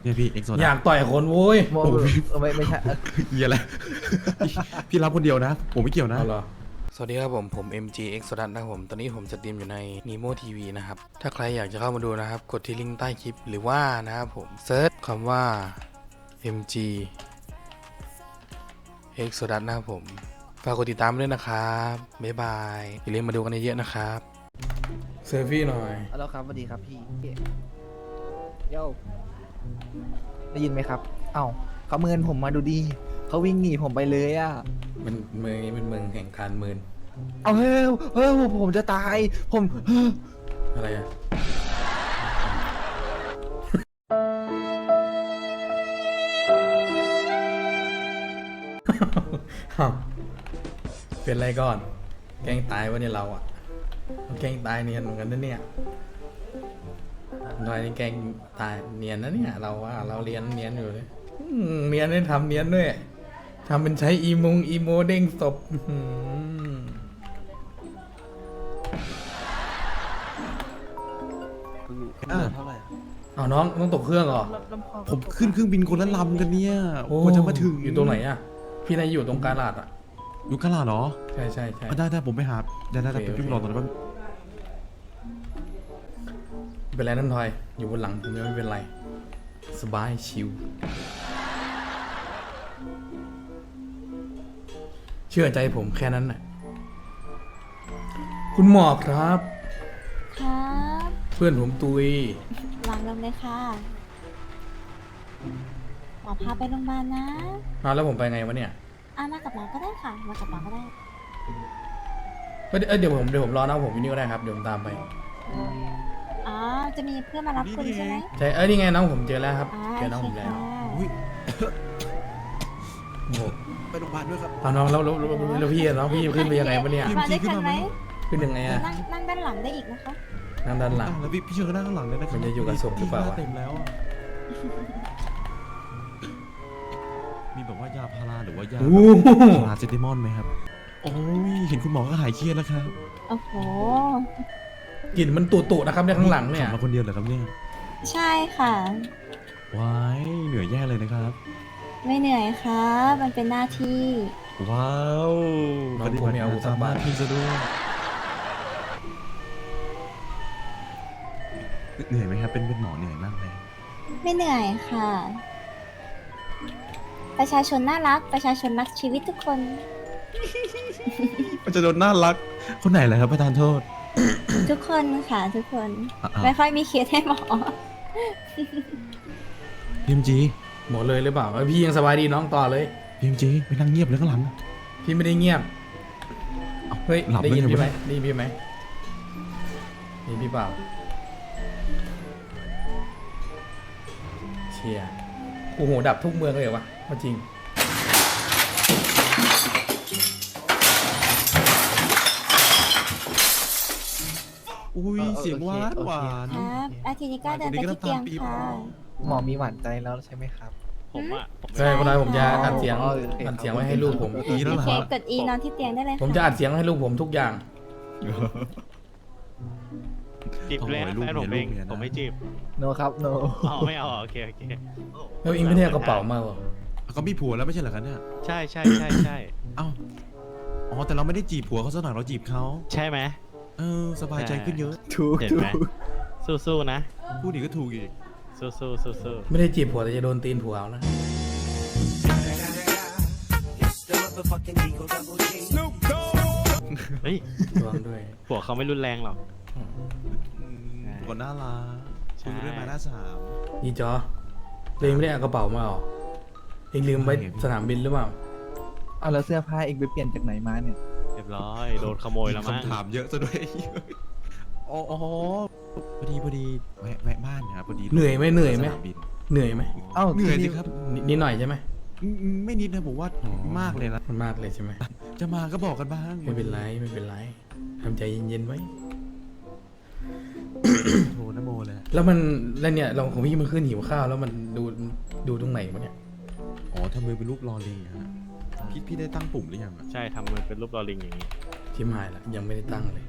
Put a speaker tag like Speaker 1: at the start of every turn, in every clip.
Speaker 1: เนี่ยพี่เอ็กโซ
Speaker 2: อยากต่อยคนโว้ย
Speaker 3: โมไม่ใช่
Speaker 1: เหี้ยอะไร พี่รับคนเดียวนะ ผมไม่เกี่ยวนะ
Speaker 2: เอาเหรอ
Speaker 4: สวัสดีครับผม MGX สดันนะครับผม ตอนนี้ผมสตรีมอยู่ใน Nemo TV นะครับ ถ้าใครอยากจะเข้ามาดูนะครับ กดที่ลิงก์ใต้คลิปหรือว่านะครับผมเซิร์ชคำว่า MGX สดันนะครับผม ฝากกดติดตามด้วยนะครับ บ๊ายบาย อย่าลืมมาดูกันเยอะๆนะครับ
Speaker 2: เซลฟี่หน่อย
Speaker 3: แล้วครับสวัสดีครับพี่โย่ได้ยินไหมครับ เอ้าเขาเมินผมมาดูดีเขาวิ่งหนีผมไปเลยอ่ะ
Speaker 2: มันเมืองนี้เป็นเมืองแห่งการเมิน
Speaker 3: เอาเฮ้ยผมจะตายผม
Speaker 2: อะไรอะ อ้าวเป็นไรก่อน แกล้งตายวะเนี่ยเราอะเราแกล้งตายเนียนเหมือนกันนะเนี่ยน้อยนี่แกล้งตายเนียนนะเนี่ยเราว่าเราเรียนเนียนอยู่เลยเนียนได้ทำเนียนด้วยทำเป็นใช้อีโมเด้งศพเอาน้องต้องตกเครื่องเหรอ
Speaker 1: ผมขึ้นเครื่องบินคนละลำกันเนี่ย
Speaker 2: โอ้
Speaker 1: กว่าจะมาถึง
Speaker 2: อยู่ตรงไหนอะพี่นายอยู่ตรงกาลาดอะ
Speaker 1: อยู่กะลาเหรอ
Speaker 2: ใช่ใช่ใช่
Speaker 1: ได้ผมไปหาได้
Speaker 2: โอเค
Speaker 1: ไปพี่รอตอนนั้นแป๊บ
Speaker 2: เป็นไรนั่นทอยอยู่บนหลังผมยังไม่เป็นไรสบายชิวเชื่อใจผมแค่นั้นน่ะคุณหมอครับ
Speaker 5: ครับ
Speaker 2: เพื่อนผมตุยว
Speaker 5: างลงเลยค่ะ หมอพาไปโรงพยาบาลนะ
Speaker 2: แล้วผมไปไงวะเนี่ย
Speaker 5: มากับหมอก็ได้ค่ะ มากับหมอก็ได้
Speaker 2: เดี๋ยวผมรอนะผมอยู่นี่ก็ได้ครับเดี๋ยวผมตามไป
Speaker 5: อ๋อ จะมีเพื่อนมารับคุณใช่ไหม
Speaker 2: ใช่นี่ไงน้องผมเจอแล้วครับเจอน้อง
Speaker 5: โอ
Speaker 2: ผม
Speaker 5: เค
Speaker 2: แล้ว
Speaker 5: ค่ะ
Speaker 1: อุ๊ย
Speaker 2: โอ้โห
Speaker 1: ไปโรงพยาบาลด้วยครับ
Speaker 2: เอาน้องแล้วพี่อะน้องพี่ขึ้นไปยังไงวะเนี่ย
Speaker 5: มาด้วยกันไหม
Speaker 2: ขึ้นยังไงอะ
Speaker 5: นั่งด้านหลังได้อีกนะคะ
Speaker 2: นั่งด้านหลัง
Speaker 1: แล้วพี่เชิญก็นั่งข้างหลังเลยนะครั
Speaker 2: มันจะอยู่กับศพหรือเปล่า
Speaker 1: พี่เต็มแล้วอะมีแบบว่ายาพาราหรือว่ายา
Speaker 2: โอ้โห
Speaker 1: พาราเซตามอลไหมครับโอ้ยเห็นคุณหมอก็หายเครียดแล้วครับ
Speaker 5: โอ้โห
Speaker 2: กลิ่นมันตุๆนะครับเนี่ยข้างหลังเนี่ย
Speaker 1: ขับมาคนเดียวเหรอครับเนี่ย
Speaker 5: ใช่ค่ะ
Speaker 1: ว้ายเหนื่อยแย่เลยนะครับ
Speaker 5: ไม่เหนื่อยครับ มันเป็นหน้าที่
Speaker 1: ว้าว
Speaker 2: น้องผมมีอาวุธสักบาท
Speaker 1: พี่ซะด้วยเหนื่อยไหมครับเป็นหมอเหนื่อยมากไหม
Speaker 5: ไม่เหนื่อยค่ะ ประชาชนน่ารัก ประชาชนรักชีวิตทุกคน
Speaker 1: มันจะโดนน่ารัก คนไหนเหรอครับประธานโทษ
Speaker 5: ทุกคนค่ะ ทุกคน
Speaker 1: อ่ะ
Speaker 5: ไม่ค่อยมีเคสให้หมอ
Speaker 1: พีเอ็มจี
Speaker 2: หมดเลยหรือเปล่าพี่ยังสบายดีน้องต่อเลย
Speaker 1: พีเอ็มจีไปนั่งเงียบเลยข้างหลัง
Speaker 2: พี่ไม่ได้เงียบ เฮ้ย
Speaker 1: หลับ
Speaker 2: ได้ยิน
Speaker 1: ได้ไง
Speaker 2: พี่ไหม
Speaker 1: วะ
Speaker 2: ได้ยินพี่ไหมนี่พี่เปล่า เชียร์โอ้โหดับทุกเมืองเลยเหรอวะว่าจริง
Speaker 1: อุ้ยเสียงหวานหวาน
Speaker 5: ครับอาทิตย์นี้ก็เดินไปที่เตียงค่ะ
Speaker 3: หมอมีหวานใจแล้วใช่ไหมครับ
Speaker 6: ผมอ่ะ
Speaker 2: ใช่คนนั้นผมจะอัดเสียง
Speaker 3: อ๋อโอเค
Speaker 2: อัดเสียงไว้ให้ลูกผม
Speaker 1: อีแล้ว
Speaker 5: โอ
Speaker 1: เหรอ
Speaker 5: เค
Speaker 1: ครับ
Speaker 5: กด E นอนที่เตียงได้เลย
Speaker 2: ผม
Speaker 5: ค่ะ
Speaker 2: จะอัดเสียงให้ลูกผมทุกอย่าง
Speaker 6: จีบเลยนะแฟนผมเอง
Speaker 1: ลูกเมียนะ
Speaker 6: ผมไม่จีบ
Speaker 3: โนครับโน
Speaker 6: อ๋อไม่เอาโอเคโอเค
Speaker 2: แล้วอิงไม่ได้เอากระเป๋ามาเหรอ
Speaker 1: เขามีผัวแล้วไม่ใช่เหรอครับเนี่ย
Speaker 6: ใช่ใช่ใช่ใช่
Speaker 1: เอ้าอ๋อแต่เราไม่ได้จีบผัวเขาซะหน่อยเราจีบเขา
Speaker 6: ใช่ไหม
Speaker 1: สบายใจขึ้นเยอะ
Speaker 3: ถูก
Speaker 6: เห็น
Speaker 3: ถู
Speaker 6: ไหม
Speaker 3: ก
Speaker 6: สู้ๆนะ
Speaker 1: พูดอีกก็ถูกอีก
Speaker 6: สู้ๆสู้
Speaker 2: ไม่ได้จีบผัวแต่จะโดนตีนผัวเอานะ
Speaker 6: ๆเฮ้ย
Speaker 2: ระวังด้วย
Speaker 6: ผัวเขาไม่รุนแรงหรอก
Speaker 1: คนน่ารัก
Speaker 6: ใช่
Speaker 1: คุยเรื่องมาหน้าสาม
Speaker 2: นี่จอตัวเองไม่ได้เอากระเป๋ามาเหรอเองลืมไว้สนามบินหรือเปล่า
Speaker 3: เอาแล้วเสื้อผ้าเองไปเปลี่ยนจากไหนมาเนี่ย
Speaker 6: เรียบร้อยโดนขโมยแล้วมั้ง
Speaker 1: คำถามเยอะซะด้วยอ๋อพอดีแวะบ้านนะครับพอดี
Speaker 2: เหนื่อยไหมเหนื่อยไหม
Speaker 1: สนามบิน
Speaker 2: เหนื่อยไหม
Speaker 3: เอ้า
Speaker 1: เหนื่อยสิครับ
Speaker 2: นิดหน่อยใช่ไหม
Speaker 1: ไม่นิดนะผมว่ามากเลยนะ
Speaker 2: มันมากเลยใช่ไหม
Speaker 1: จะมาก็บอกกันบ้าง
Speaker 2: ไม่เป็นไรไม่เป็นไรทำใจเย็นๆไว้
Speaker 1: โทรนะโมเลย
Speaker 2: แล้วเนี่ยเราของพี่มันขึ้นหิวข้าวแล้วมันดูตรงไหนวะเนี่ย
Speaker 1: อ๋อทำมือเป็นรูปรอลิงฮะพี่ได้ตั้งปุ่มหรือยังอะ
Speaker 6: ใช่ทำมือเป็นรูปลอลิงอย่างนี้
Speaker 2: ทิมหายละยังไม่ได้ตั้งเลย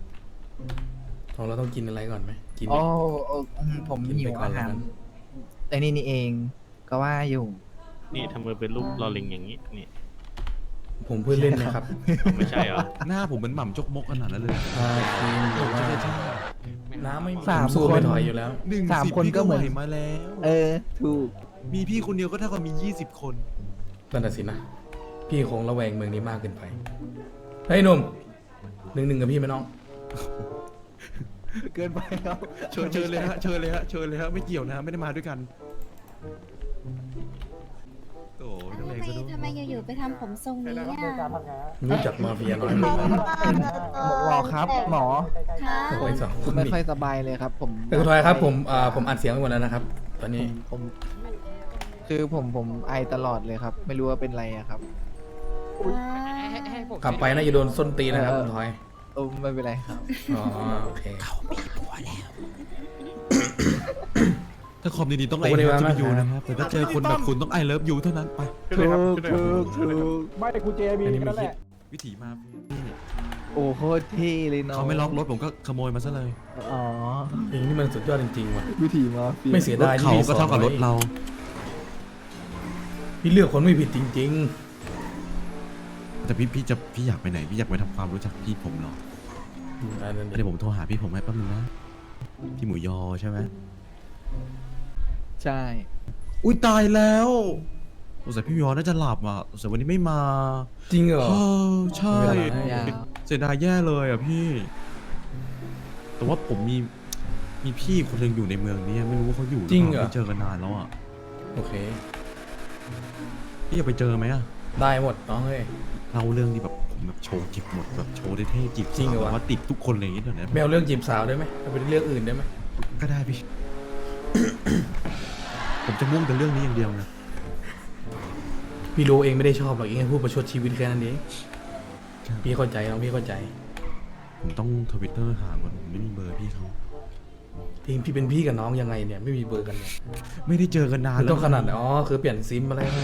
Speaker 2: เราต้องกินอะไรก่อนไหมกิน
Speaker 3: โอ้ผม
Speaker 2: กิน
Speaker 3: หิ
Speaker 2: ไป
Speaker 3: ว
Speaker 2: ก่อน
Speaker 3: อา
Speaker 2: แล้ว
Speaker 3: หาร
Speaker 2: กัน
Speaker 3: ใจไอ้นี่เองก็ว่าอยู่
Speaker 6: นี่ทำมือเป็นรูปลอลิงอย่างนี้นี่
Speaker 2: ผมเพิ่งเล่นนะครับ
Speaker 6: ไม่ใช่เหรอ
Speaker 1: หน้าผมเหมือนหม่ำจกมกขนาดนั้นเลย
Speaker 2: ใช่จริงหรือว่า
Speaker 1: ใช่
Speaker 2: น้ำไม่
Speaker 3: สาม
Speaker 2: ผมสู้
Speaker 3: คน
Speaker 2: ไม่ถอยอยู่แล้ว
Speaker 1: หนึ่ง
Speaker 3: สาม
Speaker 1: สิบ
Speaker 3: คน
Speaker 1: พี่
Speaker 3: ก็เหมือน
Speaker 1: ไหวมาแล้ว
Speaker 3: ถูก
Speaker 1: มีพี่คนเดียวก็เท่ากับมี 20 คน
Speaker 2: นั่นน่ะสินะ พี่คงระแวงเมืองนี้มากเกินไป เฮ้ยหนุ่ม1-1กับพี่ไหมน้อง
Speaker 3: เกินไปครับ
Speaker 1: เชิญเลยฮะเชิญเลยฮะเชิญเลยฮะไม่เกี่ยวนะไม่ได้มาด้วยกันโอ้ยต้องแรงซะด้วย
Speaker 5: ทำไมอยู่ๆไปทำผมทรงนี้อ่ะ
Speaker 2: รู้จักมาเฟียน้อยไหม
Speaker 3: หมอครับ หมอ
Speaker 5: คะ
Speaker 2: โอ้ยสองคน
Speaker 3: ไม่
Speaker 2: นี่
Speaker 3: ค่อยสบายเลยครับ ผม
Speaker 2: แต่คุณทอยครับผมอัดเสียงไปหมดแล้วนะครับ ตอนนี้
Speaker 3: ผมคือผมไอตลอดเลยครับ ไม่รู้ว่าเป็นไรอะครับ
Speaker 2: กลับไปน่าจะโดนส้นตีนนะครับคุณทอย
Speaker 3: ไม่เป็นไรครับ
Speaker 2: อ๋อโอเค
Speaker 1: ถ้าคอมดีๆต้องไอ
Speaker 2: โอ้
Speaker 1: เลิ
Speaker 2: ได้
Speaker 1: ฟ
Speaker 2: มา
Speaker 1: ยู
Speaker 2: มาก
Speaker 1: นะครับแต่ถ้าเจอคนแบบคุณต้องไอเลิฟยูเท่านั้นไป
Speaker 3: ถูก
Speaker 7: ไม่กูเจมี
Speaker 2: อันนี้ไม่
Speaker 7: นั่นแห
Speaker 2: คิด
Speaker 7: ละ
Speaker 1: วิถีมา
Speaker 3: โอ้โคตรเท่เลยเนาะ
Speaker 1: เขาไม่ล็อกรถผมก็ขโมยมาซะเลย
Speaker 3: อ๋อ
Speaker 2: เพลงนี้มันสุดยอดจริงๆว่ะ
Speaker 3: วิธีมาฟี
Speaker 2: ไม่เสีย
Speaker 1: รถ
Speaker 2: ดายที่
Speaker 1: เขา
Speaker 2: พี่
Speaker 1: ก็เท่ากับรถเรา
Speaker 2: พี่เลือกคนไม่ผิดจริง
Speaker 1: แต่พี่อยากไปไหนพี่อยากไปทำความรู้จักพี่ผมเหรอ
Speaker 2: ๆอันนั้น
Speaker 1: เดี๋ยวผมโทรหาพี่ผมให้แป๊บนึงนะพี่หมูยอใช่ไหม
Speaker 3: ใช่
Speaker 1: อุ้ยตายแล้วสงสัยพี่หมูยอน่าจะหลับอ่ะสงสัยวันนี้ไม่มา
Speaker 2: จริงเหรอ
Speaker 1: เออใช่
Speaker 2: ไม่เป็นไร
Speaker 3: ยาว
Speaker 1: เสียดายแย่เลยอ่ะพี่ แต่ว่าผมมีพี่คนหนึงอยู่ในเมืองนี้ไม่รู้ว่าเขาอยู่หรือ
Speaker 2: จริง
Speaker 1: เป
Speaker 2: เหร
Speaker 1: ล่า
Speaker 2: อ
Speaker 1: ไม่เจอกันนานแล้วอ่ะ
Speaker 2: โอเค
Speaker 1: พี่อยากไปเจอไหมอ่ะ
Speaker 2: ได้หมดน้องเฮ้ย
Speaker 1: เล่าเรื่องที่แบบผมแบบโชว์จิบหมดแบบโชว์ได้เท่จีบ
Speaker 2: จริงเหรอวะ
Speaker 1: แบบว่าติดทุกคนอะไรอย่างเงี้ยเดี๋ยวนี้
Speaker 2: ไม่เอาเรื่องจีบสาวได้ไหมเอาเป็นเรื่องอื่นได้ไหม
Speaker 1: ก็ได้พี่ ผมจะมุ่งแต่เรื่องนี้อย่างเดียวนะ
Speaker 2: พี่รู้เองไม่ได้ชอบหรอกเองแค่พูดประชดชีวิตแค่นั้นเองพี่เข้าใจน้องพี่เข้าใจ
Speaker 1: ผมต้องทวิตเตอร์หาก่อนผมไม่มีเบอร์พี่เขา
Speaker 2: เองพี่เป็นพี่กับน้องยังไงเนี่ยไม่มีเบอร์กันเนี่ย
Speaker 1: ไม่ได้เจอกันนาน
Speaker 2: คือ
Speaker 1: แล้ว
Speaker 2: ต้องขนาดไหนอ๋อคือเปลี่ยนซิมอะไรให้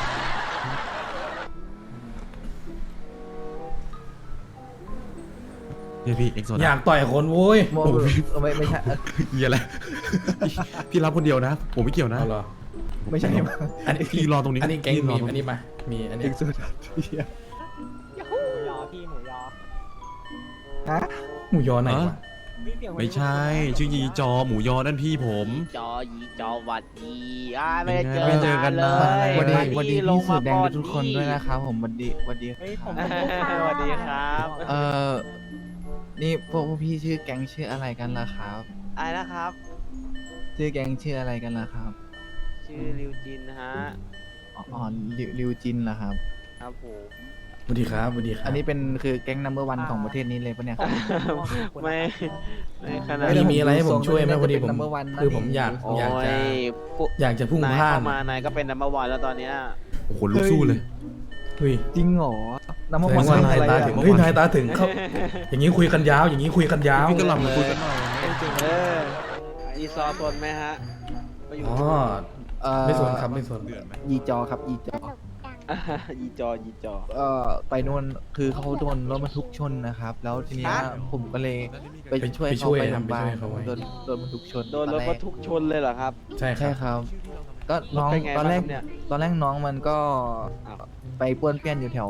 Speaker 1: เนี่ยพี่เอ็กโซ
Speaker 2: อยากต่อยคนโว้ย
Speaker 3: โมไม่ใช่
Speaker 1: เหี้ยอะไร พี่รับคนเดียวนะ ผมไม่เกี่ยวนะ
Speaker 2: เอาเหรอ
Speaker 3: ไม่ใช่
Speaker 2: อันนี้
Speaker 1: พี่รอตรงนี้
Speaker 2: อันนี้แก๊ง
Speaker 1: พี่ร
Speaker 2: มี
Speaker 1: อตรง
Speaker 2: อันนี้มามีอันนี้
Speaker 3: เอ็กซ์โซดัส
Speaker 7: หมูยอพี่หมูยอ
Speaker 3: ฮะ
Speaker 2: หมูยอไหนวะ
Speaker 1: ไม่ใช่ ชื่อยีจอหมูยอนั่นพี่ผม
Speaker 8: จอยีจอหวัดดีไม่ได้
Speaker 1: ไม่เจอกันนาน
Speaker 8: เลย
Speaker 3: วันดี
Speaker 8: มา
Speaker 3: พี่
Speaker 8: ลง
Speaker 3: สุ
Speaker 8: มา
Speaker 3: ดแดง
Speaker 8: ก่อน
Speaker 3: ทุกคนด้วยนะครับผมวันดี
Speaker 7: เฮ้ยผม
Speaker 8: สวัสดีครับ
Speaker 3: นี่พวกพี่ชื่อแก๊งชื่ออะไรกันล่ะครับ
Speaker 8: อะไรนะครับ
Speaker 3: ชื่อแก๊งชื่ออะไรกันล่ะครับ
Speaker 8: ชื่อริวจินนะฮะ
Speaker 3: อ๋อริวจินเหรอครับ
Speaker 8: ครับผม
Speaker 2: สวัสดีครับสวัสดีครับ
Speaker 3: อันนี้เป็นคือแก๊งนัมเบอร์วันของประเทศนี้เลยปะเนี่ยครับ
Speaker 8: ไม่ขนาด
Speaker 2: มีอะไรให้ผมช่วยไหมพอดีผม
Speaker 3: เป็น number one นะ
Speaker 2: คือผมอยาก
Speaker 8: โอ้
Speaker 2: อยากจะพุ่ง
Speaker 8: นาย
Speaker 2: พลาด
Speaker 8: เข้ามานายก็เป็นนัมเบอร์วันแล้วตอนเนี้ย
Speaker 1: โอ้โหลุกสู้เลย
Speaker 2: เฮ้ย
Speaker 3: จริงเหรอนัมเบอ
Speaker 2: แส
Speaker 3: ร์
Speaker 2: ด
Speaker 3: วัน
Speaker 2: งว่านาย
Speaker 3: อะไร
Speaker 2: ตา
Speaker 3: อะ
Speaker 2: ถึงเฮ้ยนายตาถึงเขาอย่างนี้คุยกันยาว อย่างนี้คุยกันยาว
Speaker 1: พี่ก็หลับมาคุยกันหน่อยไม่ได้เจอกัน
Speaker 8: อีซอตนไหมฮะไปอยู่
Speaker 2: อ๋อ
Speaker 3: เ
Speaker 2: ไม่สนครับไม่สน
Speaker 1: เดือนไหม
Speaker 3: ยีจอครับยีจอ
Speaker 8: ยีจอ
Speaker 3: ไปโน่นคือเขาโดนรถบรรทุกชนนะครับ แล้วทีเนี้ย
Speaker 8: ฮะ
Speaker 3: ผมก็เลยไปช่วย
Speaker 2: ไปช่
Speaker 3: เขา
Speaker 2: วย
Speaker 3: ไป
Speaker 2: ครับ
Speaker 3: โรงพยาบาล
Speaker 2: ไปช่วยเขาไว้
Speaker 3: โดนบรรทุกชน
Speaker 8: โดนรถบรรทุกชนเลยเหรอครับ
Speaker 2: ใช่ค
Speaker 3: ใช่
Speaker 2: รับ
Speaker 3: ครับ ก็น้อง
Speaker 8: เป็นไง
Speaker 3: ตอนแรก
Speaker 8: บ้างครับเนี่ย
Speaker 3: ตอนแรกน้องมันก็
Speaker 8: อ้าว
Speaker 3: ไปป้วนเปี้ยนอยู่แถว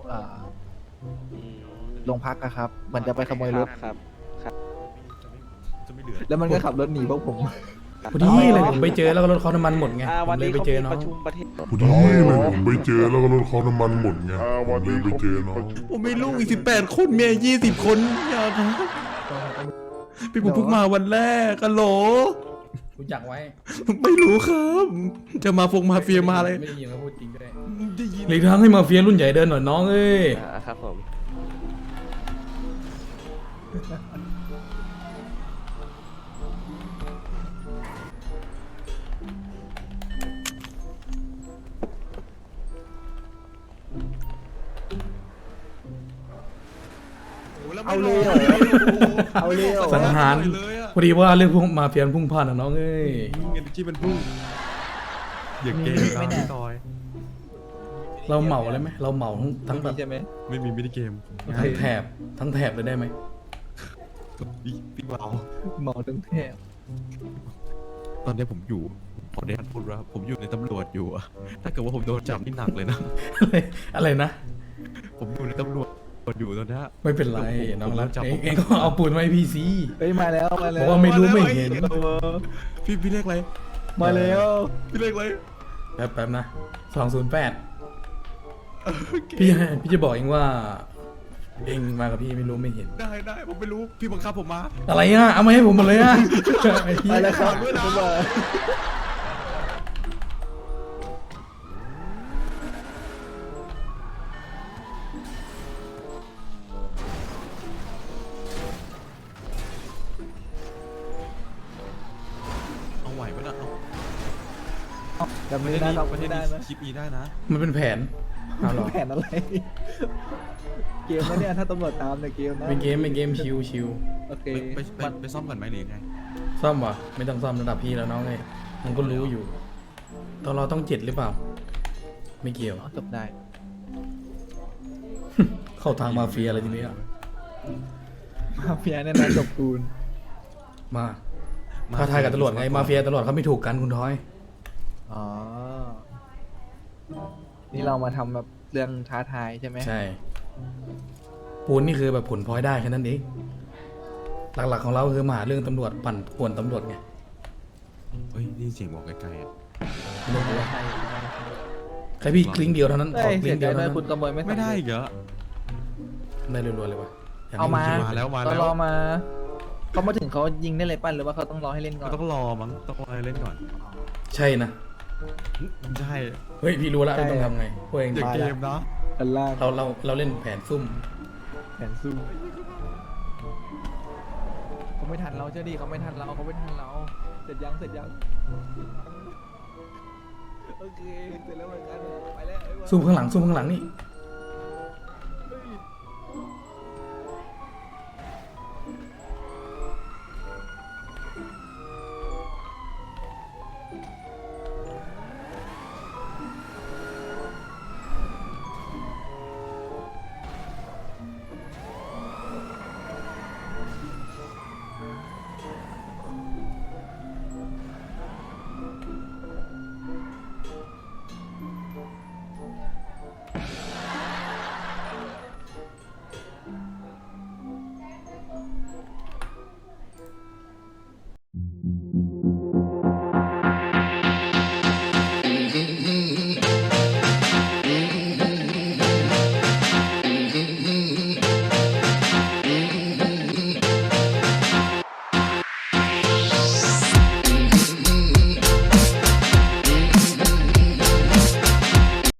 Speaker 3: โรงพักอะครับ มันจะไปขโมยรถ
Speaker 8: ครับ
Speaker 1: จะไม่เหลือ
Speaker 3: แล้วมันก็ขับรถหนีพวกผม
Speaker 2: พอดีเลยผมไปเจอแล้วก็รถเขาน้ำมันหมดไงผ
Speaker 8: วั
Speaker 2: ม
Speaker 8: น
Speaker 2: เลย
Speaker 8: นี้
Speaker 2: ไป
Speaker 8: เขา
Speaker 2: เจอ
Speaker 8: มี
Speaker 2: น้อ
Speaker 8: ป
Speaker 2: ง
Speaker 8: ระชุมประเทศ
Speaker 9: พอดีเลยผมไปเจอแล้วก็รถเขาน้ำมันหมดไงผมเลยไปเจอน้อง
Speaker 1: ผมไม่ลูกอีก18 คนเมีย20 คนอย่าครับพี่ผมเพิ่งมาวันแรกกันโหล
Speaker 2: รู้จักไว้
Speaker 1: ไม่รู้ครับ จะมามาเฟียมาอะไร
Speaker 2: ไม่ได้ยินเขาพูดจริงก็ได้
Speaker 1: ได้ยิน
Speaker 2: หลีกทางให้มาเฟียรุ่นใหญ่เดินหน่อยน้องเอ้ย
Speaker 8: ครับผม
Speaker 3: เอาเลยเหรอเอาเลยเหรอ
Speaker 2: สังหาร
Speaker 1: เลยอะ
Speaker 2: พอดีว่าเรื่องพวกมาเฟียพุ่งพลาดนะน้องเอ้ย
Speaker 1: เงินที่เป็นพุ่งอย่าเก่งครับพี่ตอย
Speaker 2: เราเหมาเลยไหมเราเหมาทั้งแบบ
Speaker 3: ใช่ไหม
Speaker 1: ไม่มีมินิเกม
Speaker 2: ทั้งแถบเลยได้ไหม
Speaker 1: พี่เบา
Speaker 3: หมอทั้งแทบ
Speaker 1: ตอนนี้ผมอยู่ขอได้พูดว่าผมอยู่ในตำรวจอยู่อะถ้าเกิดว่าผมโดนจับนี่หนักเลยนะ
Speaker 2: อะไรนะ
Speaker 1: ผมอยู่ในตำรวจอยู่ตอนนี้
Speaker 2: ไม่เป็นไร
Speaker 1: ผม
Speaker 2: น้องรัก
Speaker 1: ผมจับ
Speaker 2: เองก็เอาปืนมาให้พี่ซี
Speaker 3: เฮ้ยมาแล้วมาแล้
Speaker 2: บ
Speaker 3: ว
Speaker 2: อกว่าไม่รู้ไม่เห็น
Speaker 1: พี่เรียกอะไร
Speaker 3: มาแล้ว
Speaker 1: พี่เรียกอะไร
Speaker 2: แป๊บนะ208พี่จะบอกเองว่า เองมากับพี่ไม่รู้ไม่เห็น
Speaker 1: ได้ผมไม่รู้พี่บังคับผมมา
Speaker 2: อะไรอ่ะเอามาให้ผมหมดเลยอ่ะไอ้เหี้ย
Speaker 3: ไปแล้วครับบ๊ายบาย
Speaker 1: เอาไหวไหมนะเอา
Speaker 3: จำไม่ได้ครับ
Speaker 1: ประเท
Speaker 3: ไม่
Speaker 1: ศ
Speaker 3: ได้
Speaker 1: นี้
Speaker 3: นะ
Speaker 1: คลิปนี้ได้นะ
Speaker 2: มันเป็นแผนเอาเหรอ
Speaker 3: แผนอะไร เกมนะเนี่ยถ้าตำรวจตามเนี่ยเกมนะ
Speaker 2: เป็นเกมชิว
Speaker 3: โอเค
Speaker 1: ไปซ่อมก่อนไหมหรือไง
Speaker 2: ซ่อมวะไม่ต้องซ่อมระดับพี่แล้วน้องเลยมันก็รู้อยู่ตอนเราต้อง7หรือเปล่า ไม่เกี่ยว
Speaker 3: จบได้
Speaker 2: เข้าทางมาเฟียอะไรทีนี้อ่ะ
Speaker 3: มาเฟียเนี่ยนะจบกูล
Speaker 2: มาท้าทายกับตำรวจไงมาเฟียตำรวจเขาไม่ถูกกันคุณทอย
Speaker 3: อ๋อ นี่เรามาทำแบบเรื่องท้าทายใช่ไหม
Speaker 2: ใช่ปูนนี่คือแบบผลพลอยได้แค่นั้นเองหลักๆของเราคือมาหาเรื่องตำรวจปั่นป่วนตำรวจไง
Speaker 1: เฮ้ยนี่เสียงบอกไกลๆอ่ะ
Speaker 2: ไม่รู้ว่า
Speaker 3: ใช่
Speaker 2: แค่พี่คลิงเดียวเท่านั้นข
Speaker 3: เอ้
Speaker 2: อย คลิ
Speaker 3: เสี
Speaker 2: ง
Speaker 3: ย
Speaker 2: เดี
Speaker 3: ใจ
Speaker 2: ยว
Speaker 3: ด้
Speaker 2: เท่า
Speaker 3: วย
Speaker 2: นั้น
Speaker 3: คุณขโมยไม่
Speaker 1: ไม่ได้อีกเหรอ
Speaker 2: ได้รัวๆเลยวะย่ง
Speaker 3: เอามา
Speaker 2: นี้
Speaker 1: มาแล้ว
Speaker 3: ตอนรอมาเขามาถึงเขายิงได้เลยปั้นหรือว่าเขาต้องรอให้เล่นก่
Speaker 1: ก็
Speaker 3: อน
Speaker 1: ต้องรอมั้งต้องรอให้เล่นก่อน
Speaker 2: ใช่นะ
Speaker 1: ใช่
Speaker 2: เฮ้ยพี่รู้แล้วต้องทำไงพวกเอง
Speaker 1: อย่าเกมนะ
Speaker 3: กันล่าง
Speaker 2: เราเล่นแผนซุ่ม
Speaker 3: แผนสู้เขาไม่ทันเราเชื่อดิเขาไม่ทันเราเขาไม่ทันเราเสร็จยังโอเคเสร็จแล้วเหมือนกันไปแล้ว
Speaker 2: ซุ่มข้างหลังนี่